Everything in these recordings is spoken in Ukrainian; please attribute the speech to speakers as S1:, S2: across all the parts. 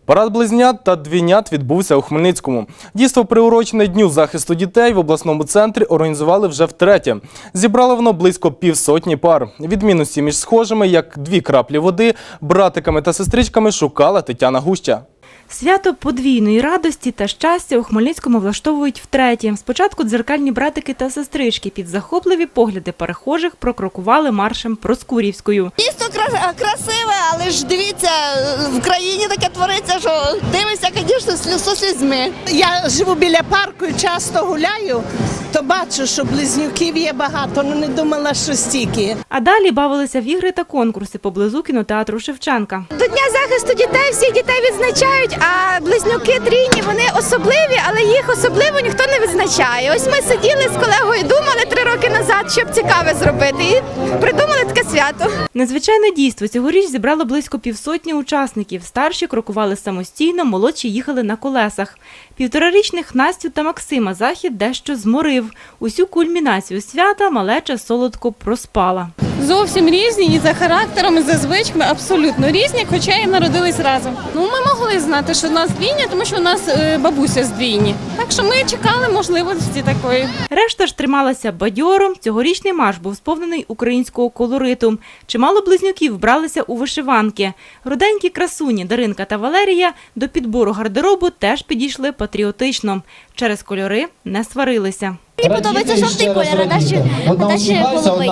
S1: Парад близнят та двійнят відбувся у Хмельницькому. Дійство, приурочене Дню захисту дітей, в обласному центрі організували вже втретє. Зібрало воно близько півсотні пар. Відмінності між схожими, як дві краплі води, братиками та сестричками шукала Тетяна Гуща.
S2: Свято подвійної радості та щастя у Хмельницькому влаштовують втретє. Спочатку дзеркальні братики та сестрички під захопливі погляди перехожих прокрокували маршем Проскурівською.
S3: Дійсно красиве, але ж дивіться, в країні таке твориться, що дивишся, звісно, зі слізьми.
S4: Я живу біля парку і часто гуляю, то бачу, що близнюків є багато, але не думала, що стільки.
S2: А далі бавилися в ігри та конкурси поблизу кінотеатру Шевченка.
S5: До Дня захисту дітей всіх дітей відзначають, а близнюки трійні, вони особливі, але їх особливо ніхто не відзначає. Ось ми сиділи з колегою, думали 3 роки назад, щоб цікаве зробити, і придумали таке свято.
S2: Незвичайне дійство цьогоріч зібрало близько півсотні учасників. Старші крокували самостійно, молодші їхали на колесах. 1,5-річних Настю та Максима захід дещо зморив. Усю кульмінацію свята малеча солодко проспала.
S6: Зовсім різні і за характером, і за звичками абсолютно різні, хоча і народились разом. Ми могли знати, що в нас двійня, тому що у нас бабуся з двійні. Так що ми чекали можливості такої.
S2: Решта ж трималася бадьором. Цьогорічний марш був сповнений українського колориту. Чимало близнюків вбралися у вишиванки. Руденькі красуні Даринка та Валерія до підбору гардеробу теж підійшли патріотично. Через кольори не сварилися.
S5: Мені подобається жовтий колір, а далі голубий.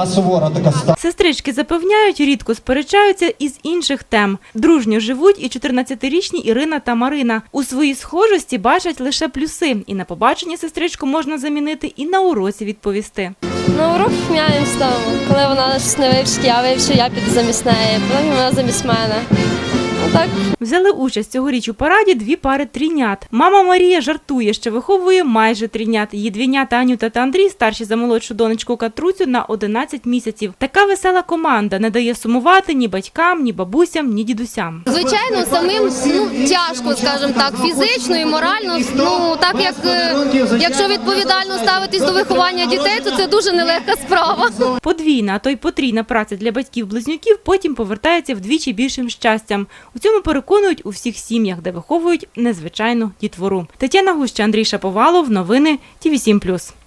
S2: Сестрички запевняють, рідко сперечаються із інших тем. Дружньо живуть і 14-річні Ірина та Марина. У своїй схожості бачать лише плюси. І на побаченні сестричку можна замінити, і на уроці відповісти.
S7: На урок міняємо з того. Коли вона щось не вивчить, я піду замість неї, потім вона замість мене. Так.
S2: Взяли участь цьогоріч у параді 2 пари трійнят. Мама Марія жартує, що виховує майже трійнят. Її двійнята Анюта та Андрій, старші за молодшу донечку Катруцю, на 11 місяців. Така весела команда не дає сумувати ні батькам, ні бабусям, ні дідусям.
S7: Звичайно, самим тяжко, скажімо так, фізично і морально. Так як якщо відповідально ставитись до виховання дітей, то це дуже нелегка справа.
S2: Подвійна, а то й потрійна праця для батьків-близнюків потім повертається вдвічі більшим щастям. У цьому переконують у всіх сім'ях, де виховують незвичайну дітвору. Тетяна Гуща, Андрій Шаповалов. Новини ТВ7+.